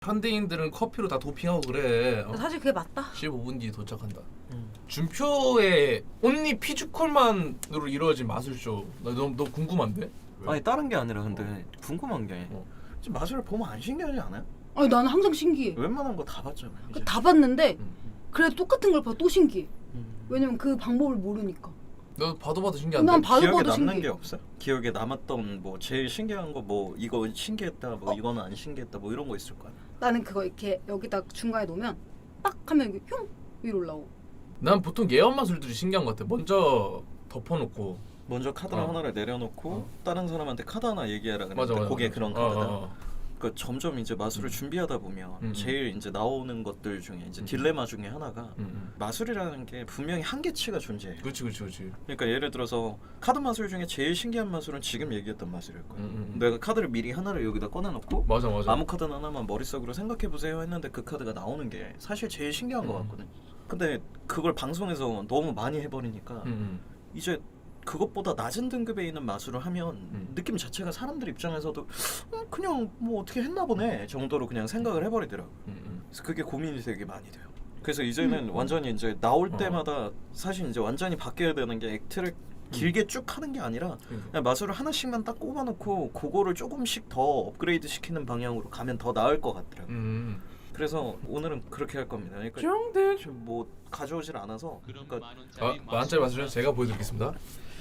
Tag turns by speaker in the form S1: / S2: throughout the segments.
S1: 현대인들은 커피로 다 도핑하고 그래.
S2: 사실 그게 맞다.
S1: 15분 뒤에 도착한다. 준표의 온리 피지컬만으로 이루어진 마술쇼. 너 궁금한데?
S3: 아니 다른 게 아니라 근데 궁금한 게
S4: 지금 마술을 보면 안 신기하지 않아요?
S2: 아니 나는 항상 신기해.
S4: 웬만한 거 다 봤잖아요. 이제.
S2: 다 봤는데 그래도 똑같은 걸 봐 또 신기해.
S3: 음.
S2: 왜냐면 그 방법을 모르니까.
S1: 너 봐도 신기한데?
S2: 난 봐도
S4: 기억에
S2: 봐도
S4: 남는
S2: 신기해.
S4: 게 없어요? 기억에 남았던 뭐 제일 신기한 거 뭐 이거 신기했다 뭐 이거는 안 신기했다 뭐 이런 거 있을 거 아니야?
S2: 나는 그거 이렇게 여기다 중간에 놓으면 딱 하면 이게 흉 위로 올라오고.
S1: 난 보통 예언 마술들이 신기한 것 같아. 먼저 덮어놓고.
S4: 먼저 카드 하나를 내려놓고 다른 사람한테 카드 하나 얘기하라 그러는데
S1: 맞아, 맞아,
S4: 그게
S1: 맞아.
S4: 그런 카드다. 그러니까 점점 이제 마술을 준비하다 보면
S1: 음.
S4: 제일 이제 나오는 것들 중에 이제 딜레마 중에 하나가
S1: 음.
S4: 마술이라는 게 분명히 한계치가 존재해.
S1: 그렇지.
S4: 그러니까 예를 들어서 카드 마술 중에 제일 신기한 마술은 지금 얘기했던 마술일 거야. 내가 카드를 미리 하나를 여기다 꺼내놓고
S1: 맞아.
S4: 아무 카드 하나만 머릿속으로 생각해보세요 했는데 그 카드가 나오는 게 사실 제일 신기한 것 같거든. 근데 그걸 방송에서 너무 많이 해버리니까 이제 그것보다 낮은 등급에 있는 마술을 하면 느낌 자체가 사람들 입장에서도 그냥 뭐 어떻게 했나 보네 정도로 그냥 생각을 해버리더라고. 그래서 그게 고민이 되게 많이 돼요. 그래서 이제는 완전히 이제 나올 때마다 사실 이제 완전히 바뀌어야 되는 게 액트를 길게 쭉 하는 게 아니라 그냥 마술을 하나씩만 딱 꼽아놓고 그거를 조금씩 더 업그레이드 시키는 방향으로 가면 더 나을 것 같더라고요. 그래서 오늘은 그렇게 할 겁니다. 그러니까 지금 뭐 가져오질 않아서 그러니까
S1: 만원짜리 마술쇼 제가 보여드리겠습니다.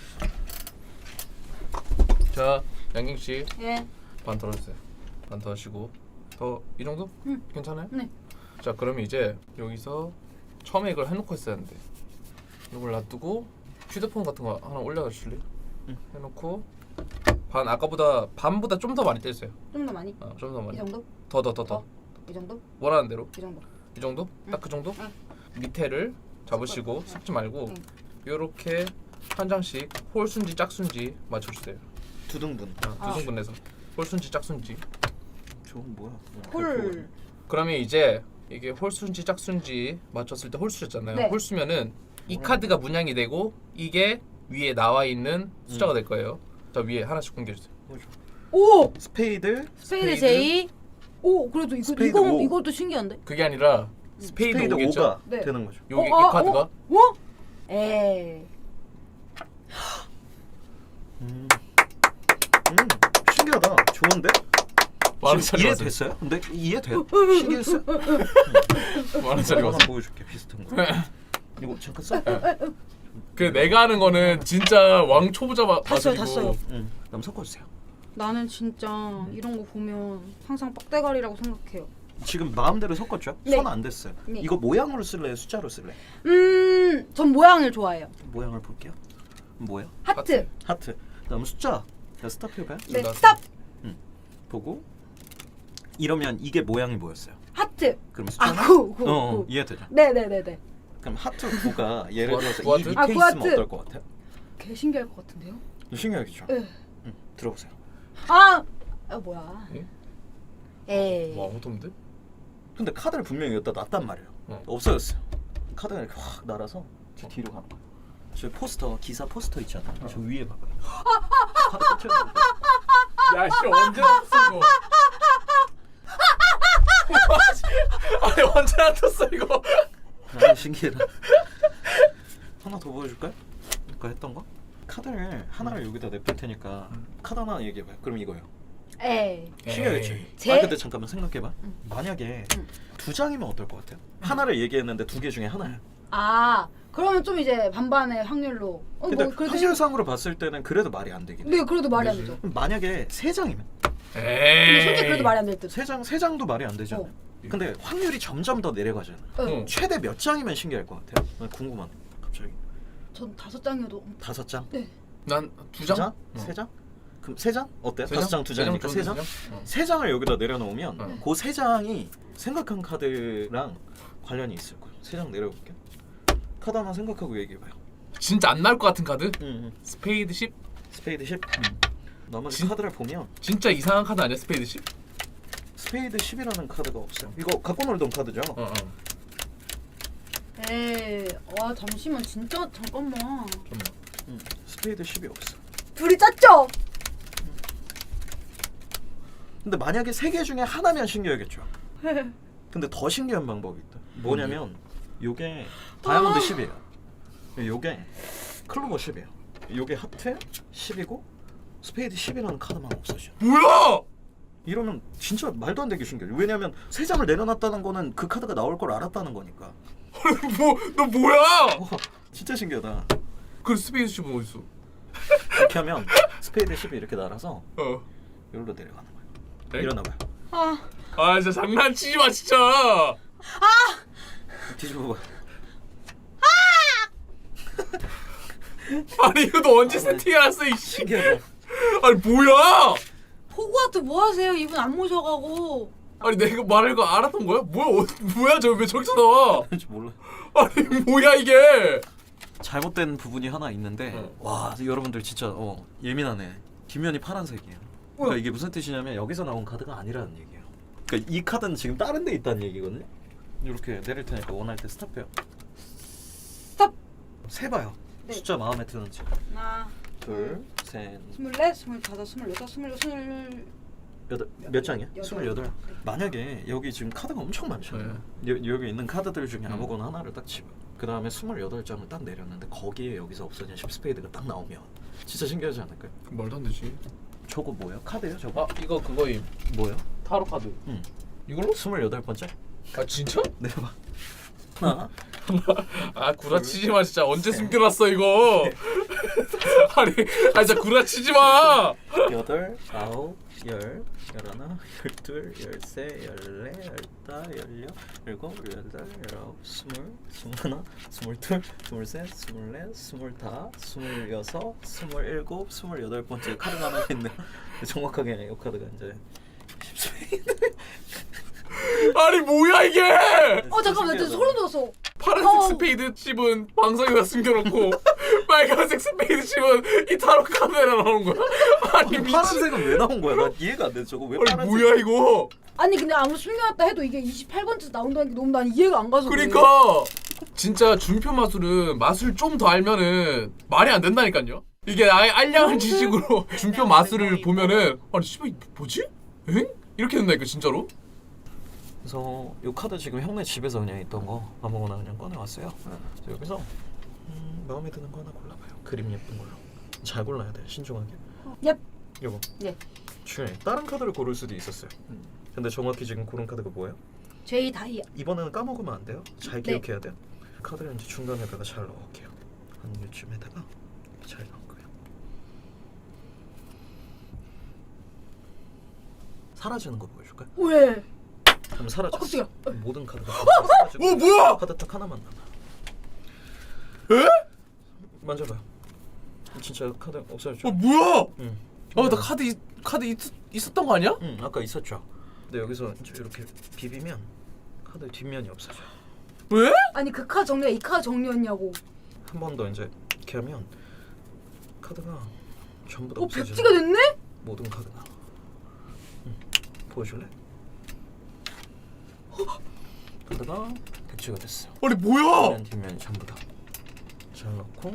S1: 자, 양경 씨.
S2: 예.
S1: 반 덜어주세요. 반 더시고 더 이 정도? 괜찮아요?
S2: 네.
S1: 자, 그러면 이제 여기서 처음에 이걸 해놓고 했어야 하는데 이걸 놔두고 휴대폰 같은 거 하나 올려다 주실래요? 해놓고 반 아까보다 반보다 좀 더 많이 떼주세요.
S2: 좀 더 많이?
S1: 좀 더 많이.
S2: 이 정도?
S1: 더.
S2: 이 정도?
S1: 원하는 대로.
S2: 이 정도.
S1: 이 정도? 딱 그 정도?
S2: 응.
S1: 밑에를 잡으시고 섞지 말고
S2: 응.
S1: 요렇게 한 장씩 홀순지 짝순지 맞춰주세요.
S4: 두 등분.
S1: 두 등분해서 홀순지 짝순지.
S4: 저건 뭐야?
S2: 홀.
S1: 그러면 이제 이게 홀수인지 짝수인지 맞췄을 때 홀수였잖아요.
S2: 네.
S1: 홀수면은 이 카드가 문양이 되고 이게 위에 나와 있는 숫자가 될 거예요. 자, 위에 하나씩 공개해주세요.
S2: 오!
S4: 스페이드
S2: 스페이드 J. 오, 그래도
S4: 스페이드 오.
S2: 이것도 신기한데?
S1: 그게 아니라 스페이드
S4: 스페이드
S1: 5겠죠?
S4: 5가
S2: 네.
S4: 되는 거죠.
S1: 여기 이 카드가
S2: 뭐? 에이.
S4: 신기하다. 좋은데?
S1: 만원짜리 왔어요.
S4: 이해됐어요? 근데 이해돼요? 신기했어요?
S1: 만원짜리
S4: 하나
S1: 왔어요.
S4: 보여줄게 비슷한 거. 이거 잠깐 써.
S1: 그 내가 하는 거는 진짜 왕 초보자
S2: 다
S1: 마술이고.
S2: 써요.
S4: 그럼 섞어주세요.
S2: 나는 진짜 이런 거 보면 항상 빡대가리라고 생각해요.
S4: 지금 마음대로 섞었죠?
S2: 네.
S4: 손 안 됐어요.
S2: 네.
S4: 이거 모양으로 쓸래요? 숫자로 쓸래?
S2: 전 모양을 좋아해요.
S4: 모양을 볼게요. 뭐야?
S2: 하트.
S4: 하트. 그다음 숫자. 자, 스탑 해봐요.
S2: 네,
S1: 나-
S2: 스탑.
S4: 보고 이러면 이게 모양이 뭐였어요?
S2: 하트.
S4: 그럼
S2: 아,
S4: 숫자는?
S2: 구.
S4: 이해되죠?
S2: 네네네네.
S4: 그럼 하트 9가 예를 들어서
S1: 구하트?
S4: 이 밑에
S2: 아,
S4: 있으면
S2: 구하트.
S4: 어떨 것 같아요?
S2: 개 신기할 것 같은데요?
S4: 신기하겠죠?
S2: 네.
S4: 들어보세요.
S2: 뭐야?
S1: 예?
S2: 에이.
S1: 뭐 아무것도 없는데?
S4: 근데 카드를 분명히 여기다 놨단 말이에요. 없어졌어요. 카드가 이렇게 확 날아서 저 뒤로 가는 거예요. 저 포스터, 기사 포스터 있잖아요. 저 위에 봐봐요. 카드 꽂혀있는 거.
S1: 야, 씨 언제 나왔어 이거? 아니 언제 나왔어 이거?
S4: 아, 신기해라. 하나 더 보여줄까요? 아까 했던 거? 카드를 하나를 여기다 냅둘 테니까 카드 하나 얘기해봐요. 그럼 이거예요.
S2: 에이.
S4: 신기하겠지?
S2: 제-
S4: 근데 잠깐만 생각해봐. 만약에 두 장이면 어떨 것 같아요? 하나를 얘기했는데 두 개 중에 하나야.
S2: 그러면 좀 이제 반반의 확률로.
S4: 근데
S2: 뭐 그래도
S4: 확률상으로 봤을 때는 그래도 말이 안 되긴 해.
S2: 네, 그래도 말이 안 되죠.
S4: 그럼 만약에 세 장이면
S2: 근데 솔직히 그래도 말이 안 될 듯.
S4: 세 장도 말이 안 되잖아요. 근데 확률이 점점 더 내려가잖아.
S1: 응.
S4: 최대 몇 장이면 신기할 것 같아요? 난 궁금한. 갑자기
S2: 전 5장이어도.
S4: 5장?
S2: 네.
S1: 난 두
S4: 두
S1: 장?
S4: 장? 세 장? 그럼 세 장? 어때요?
S1: 세
S4: 5장, 두 장이니까 세 장? 세 장을 여기다 내려놓으면 그 세 장이 생각한 카드랑 관련이 있을 거예요. 세 장 내려볼게요. 카드 하나 생각하고 얘기해봐요.
S1: 진짜 안 나올 것 같은 카드?
S4: 응.
S1: 스페이드 10?
S4: 스페이드 10. 나머지
S1: 진-
S4: 카드를 보면
S1: 진짜 이상한 카드 아니야 스페이드 10?
S4: 스페이드 10이라는 카드가 없어요. 이거 갖고 놀던 카드죠?
S2: 에이. 와, 잠시만. 진짜 잠깐만.
S4: 스페이드 10이 없어.
S2: 둘이 짰죠?
S4: 근데 만약에 세 개 중에 하나면 신기하겠죠. 근데 더 신기한 방법이 있다. 뭐냐면 요게 다이아몬드 10이에요. 요게 클로버 10이에요. 요게 하트 10이고 스페이드 10이라는 카드만 없어져.
S1: 뭐야?
S4: 이러면 진짜 말도 안 되게 신기해요. 왜냐면 세 장을 내려놨다는 거는 그 카드가 나올 걸 알았다는 거니까.
S1: 너 뭐야?
S4: 와, 진짜 신기하다.
S1: 그 스페이스 칩은 어디 있어?
S4: 이렇게 하면 스페이드 10이 이렇게 날아서
S1: 어.
S4: 여기로 내려가는 거예요.
S1: 에?
S4: 일어나 봐요.
S1: 아 진짜 장난치지 마 진짜.
S4: 뒤집어 봐.
S1: 아니 이거 너 언제 세팅해놨어 이씨.
S4: 신기하다.
S1: 아니 뭐야?
S2: 호구아트 뭐 하세요? 이분 안 모셔가고.
S1: 아니 내가 말할 거 알았던 거야? 뭐야 저 왜 저기서 나와?
S4: 왠지 몰라.
S1: 아니 뭐야 이게?
S4: 잘못된 부분이 하나 있는데 와 여러분들 진짜 예민하네. 뒷면이 파란색이에요. 그러니까 이게 무슨 뜻이냐면 여기서 나온 카드가 아니라는 얘기예요. 그러니까 이 카드는 지금 다른 데 있다는 얘기거든요. 이렇게 내릴 테니까 원할 때 스탑해요.
S2: 스탑.
S4: 세봐요.
S2: 네.
S4: 숫자 마음에 드는지.
S2: 하나,
S4: 둘, 셋,
S2: 24, 25, 26, 27,
S4: 여덟. 몇 장이야?
S2: 여덟.
S4: 28. 만약에 여기 지금 카드가 엄청 많잖아요. 여기 있는 카드들 중에 아무거나 하나를 딱 집어. 그 다음에 28장을 딱 내렸는데 거기에 여기서 없어진 10 스페이드가 딱 나오면 진짜 신기하지 않을까요?
S1: 말도 안 되지.
S4: 저거 뭐예요? 카드예요 저거?
S1: 아 이거 그거임.
S4: 뭐예요?
S1: 타로 카드.
S4: 응.
S1: 이걸로?
S4: 28번째?
S1: 아 진짜?
S4: 내려봐. 하나,
S1: 아 구라치지 마 진짜. 언제 숨겨놨어 이거? 아니 진짜 구라치지 마.
S4: 여덟, 아홉, 열, 열하나, 열둘, 열세, 열네, 열다, 열여, 열일곱, 열여덟, 열아홉, 스물, 스물하나, 스물둘, 스물셋, 스물넷, 스물다, 스물여섯, 스물일곱, 28번째 카드가 하나 있네요. 정확하게 이 카드가 이제 10스페이드.
S1: 아니 뭐야 이게?
S2: 잠깐만, 나 진짜 소름 돋았어.
S1: 파란색 스페이드 칩은 방송에다 숨겨놓고 빨간색 스페이드 칩은 이 타로 카드에 나오는 거야? 아니 미친.
S4: 파란색은 왜 나온 거야? 나 이해가 안 돼. 저거 왜
S1: 아니
S4: 파란색?
S1: 뭐야 이거?
S2: 아니 근데 아무 숨겨놨다 해도 이게 28번째 나온다는 게 너무 난 이해가 안 가서. 그래.
S1: 그러니까 진짜 준표 마술은 마술 좀 더 알면은 말이 안 된다니까요. 이게 아예 알량한 지식으로 준표 마술을 보면은 아니 씨발 뭐지? 엥? 이렇게 된다니까 진짜로?
S4: 그래서 이 카드 지금 형네 집에서 그냥 있던 거 아무거나 그냥 꺼내왔어요. 그래서 여기서 마음에 드는 거 하나 골라봐요. 그림 예쁜 걸로. 잘 골라야 돼. 신중하게.
S2: 얍.
S4: 요거.
S2: 예.
S4: 중요해. 다른 카드를 고를 수도 있었어요. 근데 정확히 지금 고른 카드가 뭐예요?
S2: 제이 다이아.
S4: 이번에는 까먹으면 안 돼요. 잘
S2: 네.
S4: 기억해야 돼요. 카드를 이제 중간에다가 잘 넣을게요. 한 요쯤에다가 잘 넣을 거예요. 사라지는 거 보여줄까요?
S2: 왜?
S4: 그럼 사라졌어.
S2: 깜짝이야.
S4: 모든 카드가 사라지고
S1: 뭐야?
S4: 카드 딱 하나만 남아.
S1: 에?
S4: 만져봐요. 진짜 카드 없어졌죠?
S1: 뭐야?
S4: 응.
S1: 나 카드 있었던 거 아니야?
S4: 응, 아까 있었죠. 근데 여기서 이제 이렇게 비비면 카드 뒷면이 없어져.
S1: 왜?
S2: 아니 그 카드 정리가 이 카드 정리였냐고.
S4: 한 번 더 이제 이렇게 하면 카드가 전부 다 없어져.
S2: 백지가 됐네?
S4: 모든 카드가. 응. 보여줄래? 카드가 백지가 됐어.
S1: 아니 뭐야?
S4: 뒷면 전부 다. 잘 넣고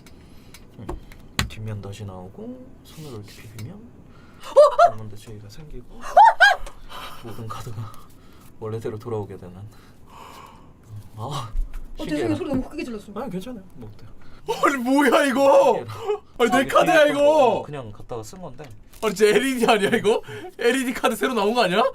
S4: 뒷면 다시 나오고 손으로 이렇게 비비면 아몬드 쉐이가 생기고 모든 카드가 원래대로 돌아오게 되는.
S2: 죄송해요. 소리 너무 크게 질렀어.
S4: 아니 괜찮아요. 뭐 어때요?
S1: 아니 뭐야 이거? 아니 내 카드야 이거.
S4: 그냥 갖다가 쓴 건데.
S1: 아니 진짜 LED 아니야 이거? LED 카드 새로 나온 거 아니야?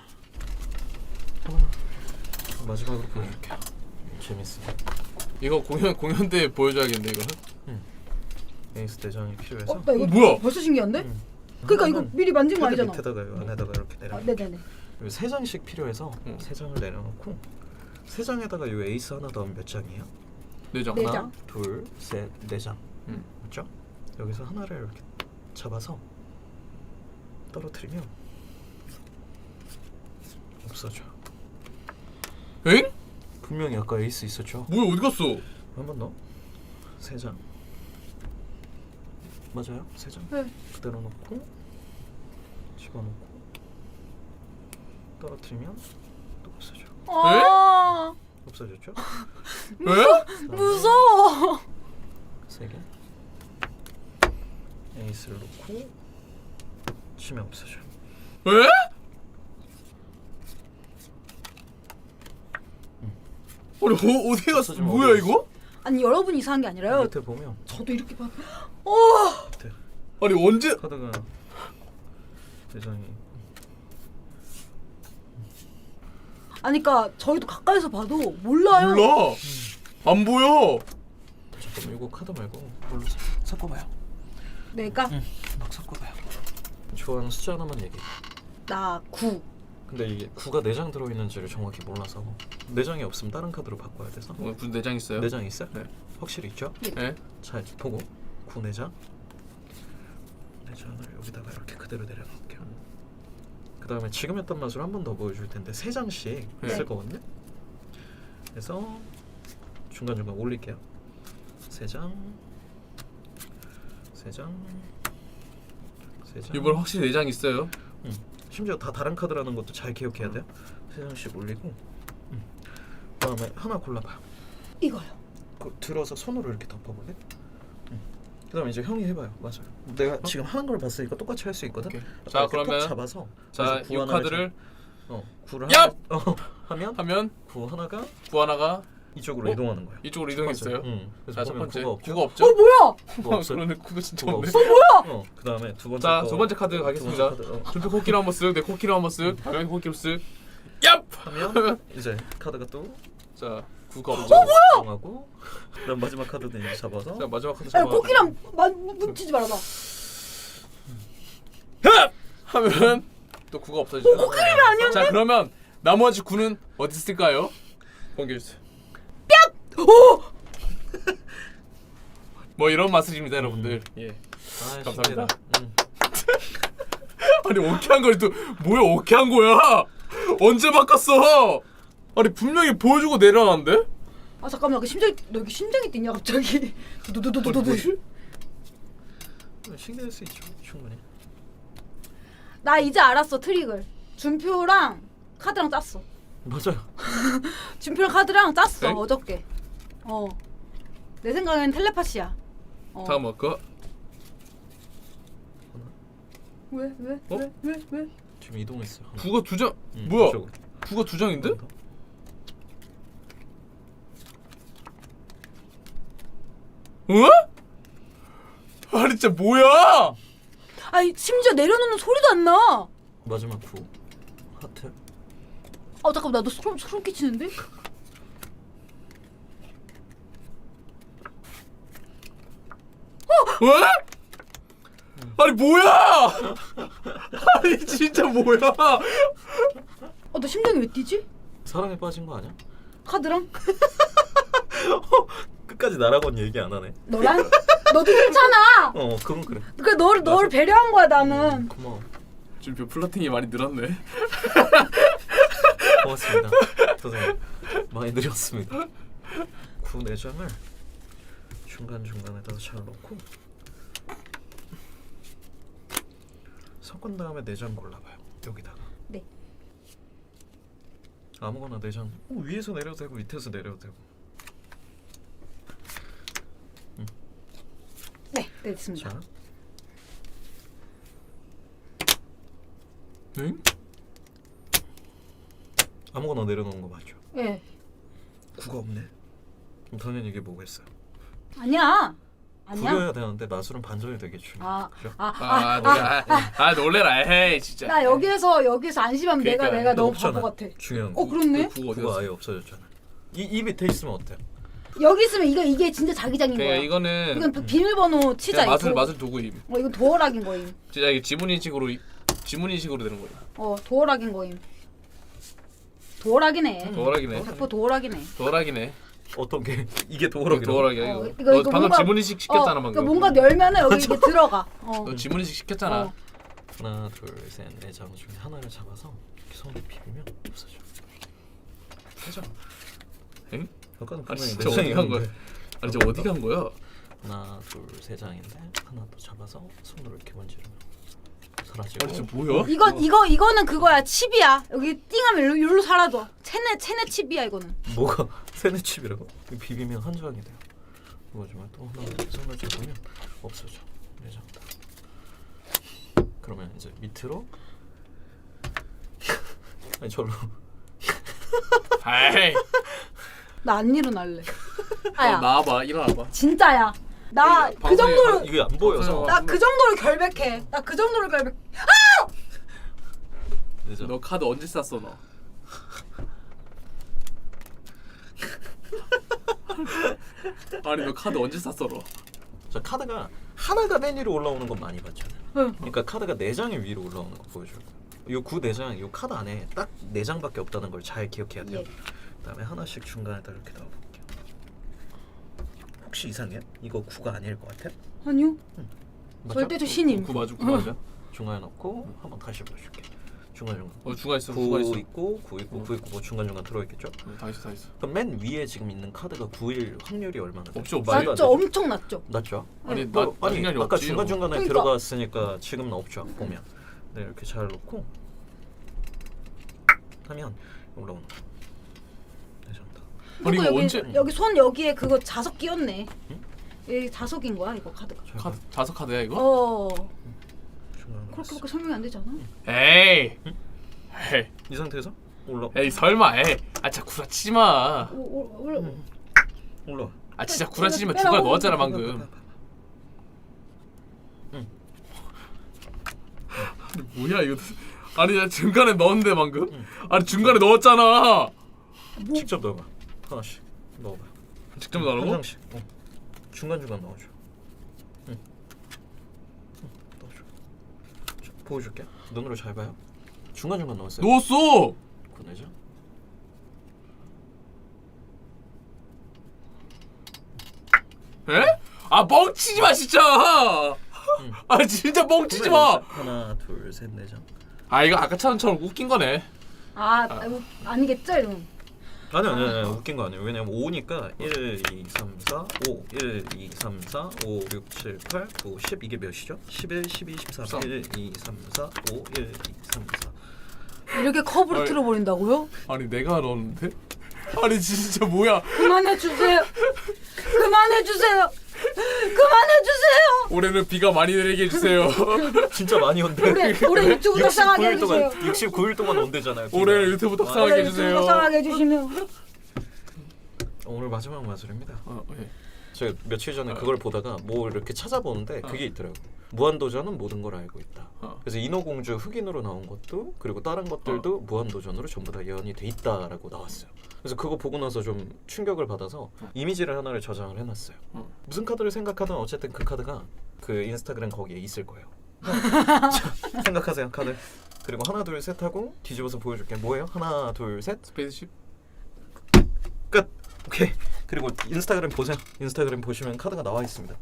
S4: 마지막으로 보여줄게요. 재밌어.
S1: 이거 공연 때 보여줘야겠네 이거.
S4: 에이스 대장이 필요해서.
S2: 나 이거
S1: 뭐야?
S2: 벌써 신기한데?
S4: 응.
S2: 그러니까 이거
S4: 하나는
S2: 미리 만진 거
S4: 카드
S2: 아니잖아.
S4: 밑에다가 이 안에다가 이렇게 내려.
S2: 네네네.
S4: 세 장씩 필요해서 세 장을 내려놓고 세 장에다가 이 에이스 하나 더하면 몇 장이에요?
S1: 네 장.
S2: 네
S4: 하나,
S2: 장.
S4: 둘, 셋, 네 장. 맞죠? 여기서 하나를 이렇게 잡아서 떨어뜨리면 없어져.
S1: 엥?
S4: 분명히 아까 에이스 있었죠?
S1: 뭐야 어디 갔어?
S4: 한 번 더. 세 장. 맞아요? 세 장.
S2: 네.
S4: 그대로 놓고 집어넣고 떨어뜨리면 또 없어져.
S2: 아
S4: 없어졌죠?
S1: 에?
S2: 무서워.
S4: 세 개. 에이스를 놓고 치면 없어져.
S1: 에? 아니 어디 갔어?
S3: 없어지면
S1: 뭐야
S3: 어디
S1: 이거?
S2: 아니 여러분이 이상한 게 아니라요.
S3: 밑에 보면
S2: 저도 이렇게 봐.
S3: 밑에
S1: 아니 언제?
S3: 카드가 대장이
S2: 아니 그러니까 저희도 가까이서 봐도 몰라요.
S1: 몰라. 안 보여.
S3: 잠깐만 이거 카드 말고 뭘로 섞어봐요.
S2: 내가
S3: 막 섞어봐요. 좋아하는 숫자 하나만 얘기해.
S2: 나 9.
S3: 근데 이게 9가 4장 들어있는지를 정확히 몰라서 4장이 없으면 다른 카드로 바꿔야 돼서
S1: 무슨 내장 있어요?
S3: 4장 있어요?
S1: 네.
S3: 확실히 있죠?
S1: 네.
S3: 자 보고 9 4장 4장을 여기다가 이렇게 그대로 내려놓을게요. 그 다음에 지금 했던 맛으로 한 번 더 보여줄 텐데 3장씩
S1: 네.
S3: 있을 거거든요. 그래서 중간중간 올릴게요. 3장 3장 3장
S1: 이번 확실히 내장 있어요.
S3: 심지어 다 다른 카드라는 것도 잘 기억해야 돼요. 3장씩 올리고 그다음에 하나 골라봐요.
S2: 이거요.
S3: 그 들어서 손으로 이렇게 덮어볼래? 그다음에 이제 형이 해봐요. 맞아요. 내가 지금 하는 걸 봤으니까 똑같이 할 수 있거든.
S1: 오케이.
S3: 아까
S1: 자
S3: 이렇게 톡
S1: 그러면
S3: 잡아서
S1: 자 이 카드를
S3: 구를
S1: 얍!
S3: 하면
S1: 하면
S3: 구 하나가
S1: 구 하나가
S3: 이쪽으로 이동하는 거예요.
S1: 이쪽으로 이동했어요.
S3: 그래서
S1: 자 첫
S3: 보면
S1: 번째
S3: 구가 없죠.
S1: 구가 없죠?
S2: 뭐야?
S3: 구가 없어요.
S1: 그러네 구가 진짜
S3: 구가
S1: 없네.
S3: 없어.
S2: 뭐야?
S3: 그다음에 두 번째
S1: 자
S3: 거,
S1: 두 번째 카드
S3: 두
S1: 가겠습니다.
S3: 번째 카드,
S1: 준표 코끼리 한번 쓱, 내 코끼리 한번 쓱, 여기 코끼리 쓱. 얍!
S3: 하면 이제 카드가 또
S1: 자 구가 없죠.
S3: 이동하고 그다음 마지막 카드는 이제 잡아서
S1: 자 마지막 카드
S2: 아니
S1: 잡아.
S2: 코끼리랑 뭉치지 말아봐.
S1: 흡! 하면 또 구가 없어지죠.
S2: 코끼리가 아니었네.
S1: 자 그러면 나머지 구는 어디 있을까요? 공개해 주세요.
S2: 오!
S1: 뭐 이런 맛을입니다, 여러분들. 예.
S3: 아,
S1: 감사합니다.
S3: 쉽게다.
S1: 아니 오케한 걸 또 뭐야 오케한 거야? 언제 바꿨어? 아니 분명히 보여주고 내려놨는데?
S2: 아 잠깐만, 그 심장이 너 여기 심장이 뛰냐 갑자기? 두두두두두두.
S1: 뭐지?
S3: 신기할 수 있죠. 충분히.
S2: 나 이제 알았어 트릭을. 준표랑 카드랑 짰어.
S3: 맞아요.
S2: 준표랑 카드랑 짰어
S1: 네?
S2: 어저께. 내 생각엔 텔레파시야.
S1: 잠깐만 그거
S2: 왜? 왜?
S3: 지금 이동했어요. 하나.
S1: 구가 두 장. 뭐야?
S3: 이쪽으로.
S1: 구가 두 장인데? 어? 아니 진짜 뭐야?
S2: 아니 심지어 내려놓는 소리도 안 나.
S3: 마지막 구 하트.
S2: 잠깐만, 나도 소름 끼치는데?
S1: 왜? 아니 뭐야? 아니 진짜 뭐야?
S2: 너 심장이 왜 뛰지?
S3: 사랑에 빠진 거 아니야?
S2: 카드랑?
S3: 끝까지 나라고는 얘기 안 하네.
S2: 너랑? 너도 괜찮아.
S3: 그건 그래.
S2: 그래 너를 배려한 거야 나는.
S3: 고마워.
S1: 준표 플러팅이 많이 늘었네.
S3: 고맙습니다. 선생님 많이 느렸습니다. 구 4장을 중간중간에다 잘 넣고 섞은 다음에 4장 골라봐요. 여기다가
S2: 네.
S3: 아무거나 4장 위에서 내려도 되고 밑에서 내려도 되고.
S2: 네, 됐습니다.
S3: 자
S1: 응?
S3: 아무거나 내려놓은 거 맞죠?
S2: 예.
S3: 구가 없네. 그럼 당연히 이게 뭐겠어요?
S2: 아니야.
S3: 구려야 되는데 나술은 반전이 되겠죠. 그죠?
S1: 놀래라. 에이 진짜.
S2: 나 여기에서 안심하면
S1: 그러니까,
S2: 내가 너무
S3: 없잖아.
S2: 바보 같아.
S3: 중요한 거.
S2: 그렇네.
S1: 구가 어디
S3: 구가
S1: 갔어?
S3: 아예 없어졌잖아. 이 밑에 있으면 어때요?
S2: 여기 있으면 이게 진짜 자기장인
S1: 그러니까
S2: 거야.
S1: 이거는
S2: 이건 비밀번호 치자.
S1: 그냥
S2: 이거.
S1: 맛을 도구임.
S2: 이건 도어락인 거임.
S1: 진짜 이게 지문인식으로 되는 거예요.
S2: 도어락인 거임. 도어락이네.
S1: 도어락이네.
S2: 자꾸 도어락이네.
S1: 도어락이네.
S3: 어떤 게 이게 도어락이라고?
S1: 도어락이야
S2: 어,
S1: 이거.
S2: 이거
S1: 너 방금
S2: 뭔가-
S1: 지문인식 시켰잖아 방금.
S2: 그러니까 뭔가 열면은 여기 이게 들어가.
S1: 너 지문인식 시켰잖아.
S3: 하나, 둘, 셋, 4장 중에 하나를 잡아서 이렇게 손으로 비비면 없어져. 되죠?
S1: 응?
S3: 아까는
S1: 아니
S3: 분명히
S1: 진짜
S3: 4장이었는데.
S1: 어디 간 거야? 아니 저 어디 간 거야?
S3: 하나, 둘, 3장인데 하나 더 잡아서 손으로 이렇게 만지면 사라지고.
S1: 아니 진짜 뭐야?
S2: 이거는 그거야. 칩이야. 여기 띵하면 일로 사라져. 체내 칩이야 이거는.
S3: 뭐가 세네 칩이라고? 비비면 한 장이 돼요. 이거지만 또 하나 이렇게 손을 잡으면 없어져. 4장 다. 그러면 이제 밑으로 아니 절로
S1: 아이
S2: 나 안 일어날래.
S1: 너
S2: 아야.
S1: 나와봐 일어나봐.
S2: 진짜야. 나 그
S1: 방송에-
S2: 정도로
S3: 이게 안 보여서.
S2: 나 그 정도로 결백해. 나 그 정도로 결백.
S3: 그죠?
S1: 너 카드 언제 쌌어 너? 아니 너 카드 언제 쌌어 너?
S3: 자 카드가 하나가 맨 위로 올라오는 건 많이 봤잖아요.
S2: 응.
S3: 그러니까 카드가 4장이 위로 올라오는 거 보여줘요. 요 9 4장, 요 카드 안에 딱 4장밖에 없다는 걸 잘 기억해야 돼요.
S2: 예.
S3: 그다음에 하나씩 중간에다 이렇게 넣어볼게요. 혹시 이상해? 이거 9가 아닐 것 같아?
S2: 아니요.
S3: 맞아?
S2: 절대적 신임.
S1: 그 맞아 그 맞아.
S3: 중간에 넣고 한번 다시 보여줄게. 중간.
S1: 주가 있어
S3: 9
S1: 주가 있어.
S3: 있고 9 있고 9 있고 뭐 중간 들어있겠죠?
S1: 다 있어 다 있어.
S3: 그럼 맨 위에 지금 있는 카드가 9일 확률이 얼마나 돼요?
S1: 없지, 없지.
S3: 말도 안
S2: 낮죠.
S3: 되죠?
S2: 엄청 낮죠.
S3: 낮죠?
S1: 아니
S2: 네.
S1: 나
S3: 아니
S1: 생각이
S3: 아까
S1: 없지.
S3: 중간에
S2: 그러니까.
S3: 들어갔으니까 지금은 없죠 보면. 네 이렇게 잘 놓고 하면 올라오는 거. 괜찮다.
S1: 아니 이거
S2: 여기
S1: 언제?
S2: 여기 손 여기에 그거 자석 끼었네. 여기 자석인 거야 이거 카드가.
S1: 카드 자석 카드야 이거?
S3: 중간
S2: 그렇게밖에 설명이 안 되잖아.
S1: 에이. 에이.
S3: 이 상태에서 올라
S1: 에이 설마 에이. 아 진짜 구라치지 마.
S3: 올라.
S1: 아 진짜 구라치지 마.
S2: 빼라고.
S1: 중간 넣었잖아 방금. 아니 뭐야 이거? 아니 나 중간에 넣었는데 방금? 아니 중간에 넣었잖아.
S3: 직접 넣어봐. 하나씩 넣어봐.
S1: 직접
S3: 한
S1: 넣으라고?
S3: 장씩. 중간 넣어줘. 넣어줘. 자, 보여줄게. 눈으로 잘 봐요. 중간 넣었어요.
S1: 넣었어.
S3: 보내자.
S1: 에? 아 멍치지 마 진짜. 아 진짜 멍치지 마.
S3: 하나, 둘, 셋, 네 장.
S1: 아 이거 아까처럼 웃긴 거네.
S2: 아니겠죠 이건.
S3: 아니 웃긴 거 아니에요. 왜냐면 5니까 1, 2, 3, 4, 5 1, 2, 3, 4, 5, 6, 7, 8, 9, 10 이게 몇이죠? 11, 12, 13 1, 2, 3, 4, 5, 1, 2, 3, 4
S2: 이렇게 컵으로
S1: 아니.
S2: 틀어버린다고요?
S1: 아니 내가 넣었는데? 아니 진짜 뭐야?
S2: 그만해주세요. 그만해주세요. 그만해주세요.
S1: 올해는 비가 많이 내리게 해주세요.
S3: 진짜 많이 온대.
S2: 올해 유튜브 떡상하게
S3: 69일
S2: 해주세요.
S3: 동안 69일 동안 온대잖아요.
S1: 올해는 유튜브 떡상하게
S2: 올해 유튜브
S1: 해주세요.
S2: 떡상하게 해주시면.
S3: 오늘 마지막 마술입니다.
S1: 예.
S3: 제가 며칠 전에 그걸 보다가 뭐 이렇게 찾아보는데 그게 있더라고. 무한도전은 모든 걸 알고 있다. 그래서 인어공주 흑인으로 나온 것도 그리고 다른 것들도 무한도전으로 전부 다 예언이 돼 있다라고 나왔어요. 그래서 그거 보고 나서 좀 충격을 받아서 이미지를 하나를 저장을 해놨어요. 무슨 카드를 생각하든 어쨌든 그 카드가 그 인스타그램 거기에 있을 거예요. 자, 생각하세요 카드. 그리고 하나 둘 셋 하고 뒤집어서 보여줄게. 뭐예요? 하나 둘 셋.
S1: 스페이스십.
S3: 끝. 오케이. 그리고 인스타그램 보세요. 인스타그램 보시면 카드가 나와 있습니다.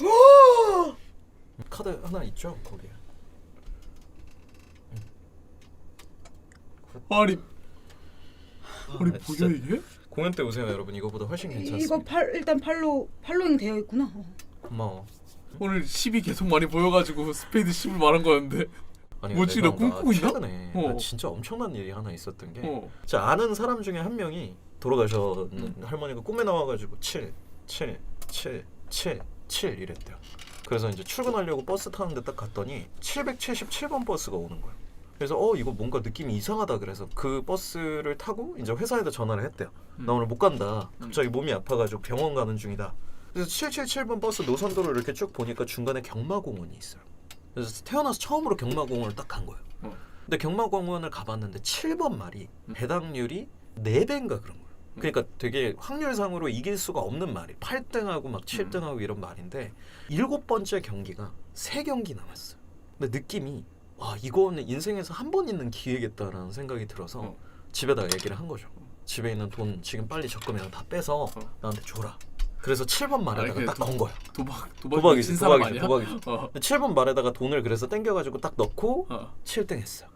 S3: 카드 하나 있죠 거기에.
S1: 아니
S3: 아, 진짜
S1: 뭐야 이게?
S3: 공연 때 오세요 여러분. 이거보다 훨씬 괜찮습니다.
S2: 이거 일단 팔로잉 되어 있구나.
S3: 고마워.
S1: 오늘 10이 계속 많이 보여가지고 스페이드 10을 말한 거였는데.
S3: 아니,
S1: 뭐지,
S3: 내가
S1: 나 꿈꾸고 있나?
S3: 최근에
S1: 어.
S3: 나 진짜 엄청난 일이 하나 있었던 게
S1: 어.
S3: 제가 아는 사람 중에 한 명이 돌아가셨는 할머니가 꿈에 나와가지고 7, 7, 7, 7, 7 이랬대요. 그래서 이제 출근하려고 버스 타는데 딱 갔더니 777번 버스가 오는 거예요. 그래서 이거 뭔가 느낌이 이상하다 그래서 그 버스를 타고 이제 회사에다 전화를 했대요. 나 오늘 못 간다. 갑자기 몸이 아파가지고 병원 가는 중이다. 그래서 777번 버스 노선도를 이렇게 쭉 보니까 중간에 경마공원이 있어요. 그래서 태어나서 처음으로 경마공원을 딱 간 거예요. 근데 경마공원을 가봤는데 7번 말이 배당률이 4배인가 그런 거예요. 그러니까 되게 확률상으로 이길 수가 없는 말이 8등하고 막 7등하고 이런 말인데 7번째 경기가 3경기 남았어요. 근데 느낌이 와 이거는 인생에서 한 번 있는 기회겠다라는 생각이 들어서 집에다 얘기를 한 거죠. 집에 있는 돈 지금 빨리 적금이랑 다 빼서 나한테 줘라. 그래서 7번 말에다가 딱 건 거야. 도박이지. 7번 말에다가 돈을 그래서 땡겨가지고 딱 넣고 7등 했어.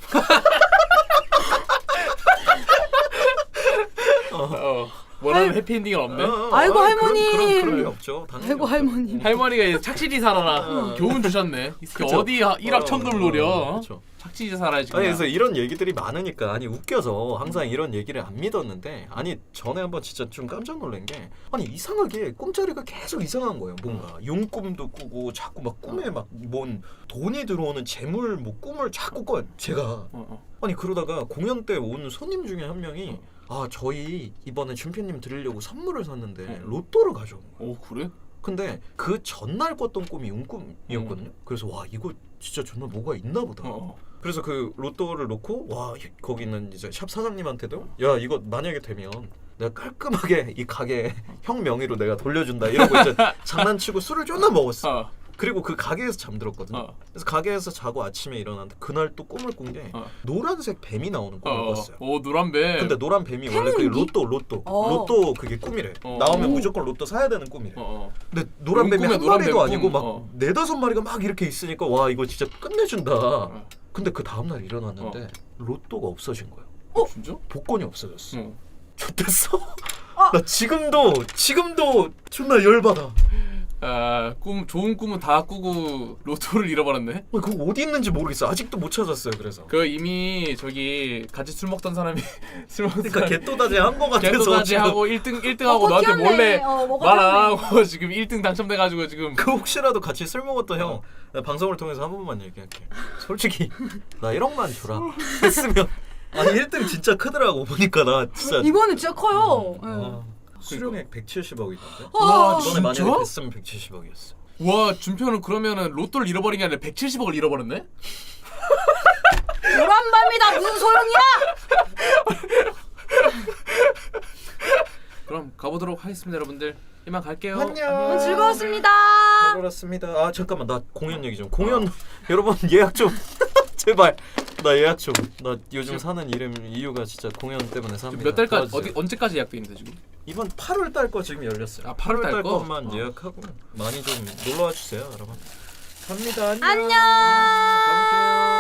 S1: 원하는 해피엔딩은 없네.
S2: 아이고, 할머니.
S3: 그런 게 없죠. 당연히
S2: 아이고
S3: 없죠.
S2: 할머니.
S1: 할머니가 착실히 살아라. 교훈 주셨네.
S3: 그쵸.
S1: 어디 1억 천금을 노려.
S3: 그쵸.
S1: 착실히 살아야지.
S3: 아니
S1: 그냥.
S3: 그래서 이런 얘기들이 많으니까 웃겨서 항상 이런 얘기를 안 믿었는데 전에 한번 진짜 좀 깜짝 놀란 게 이상하게 꿈자리가 계속 이상한 거예요. 뭔가 용꿈도 꾸고 자꾸 막 꿈에 막 뭔 돈이 들어오는 재물 뭐 꿈을 자꾸 꿔요. 제가 아니 그러다가 공연 때 온 손님 중에 한 명이 아 저희 이번에 준표님 드리려고 선물을 샀는데 로또를 가져온 거예요.
S1: 오 그래?
S3: 근데 그 전날 꿨던 꿈이 운꿈이었거든요. 그래서 와 이거 진짜 정말 뭐가 있나 보다. 그래서 그 로또를 놓고 와 거기 있는 이제 샵 사장님한테도 야 이거 만약에 되면 내가 깔끔하게 이 가게 형 명의로 내가 돌려준다 이러고 이제 장난치고 술을 존나 먹었어. 그리고 그 가게에서 잠들었거든요. 그래서 가게에서 자고 아침에 일어났는데 그날 또 꿈을 꾼 게 노란색 뱀이 나오는 꿈을 꿨어요.
S1: 오 노란 뱀.
S3: 근데 노란 뱀이 원래 그게 로또 그게 꿈이래. 나오면 무조건 로또 사야 되는 꿈이래. 근데 노란 뱀이 한 마리도 아니고 막 네다섯 마리가 막 이렇게 있으니까 와 이거 진짜 끝내준다. 근데 그 다음날 일어났는데 로또가 없어진 거야.
S1: 진짜?
S3: 복권이 없어졌어. 좋댔어. 나 지금도 존나 열받아.
S1: 아, 좋은 꿈은 다 꾸고 로또를 잃어버렸네.
S3: 그거 어디 있는지 모르겠어. 아직도 못 찾았어요. 그래서.
S1: 그 이미 저기 같이 술 먹던 사람이 술 먹던
S3: 그러니까 개또다지 한 거 같아서
S1: 개또다지 하고 1등하고 너한테 몰래 말 안 하고 지금 1등 당첨돼가지고 지금.
S3: 그 혹시라도 같이 술 먹었던 형 방송을 통해서 한 번만 얘기할게. 솔직히 나 1억만 줘라 했으면 아니 1등 진짜 크더라고 보니까 나 진짜
S2: 이번에 진짜 커요.
S3: 수령액 170억이던데.
S2: 와,
S3: 이번에 만약에
S1: 진짜?
S3: 됐으면 170억이었어.
S1: 와 준표는 그러면은 로또를 잃어버린 게 아니라 170억을 잃어버렸네?
S2: 노란 밤이다 무슨 소용이야?
S1: 그럼 가보도록 하겠습니다 여러분들. 이만 갈게요.
S3: 안녕.
S2: 즐거웠습니다.
S3: 그렇습니다. 아 잠깐만 나 공연 얘기 좀. 공연 여러분 예약 좀 제발. 나 예약 좀. 나 요즘 사는 이유가 진짜 공연 때문에 삽니다.
S1: 몇 달까지
S3: 도와주세요.
S1: 언제까지 예약돼 있는데 지금?
S3: 이번 8월 달 거 지금 열렸어요.
S1: 아, 8월 달 거?
S3: 것만 예약하고 많이 좀 놀러 와 주세요, 여러분. 갑니다.
S2: 안녕.
S3: 가볼게요.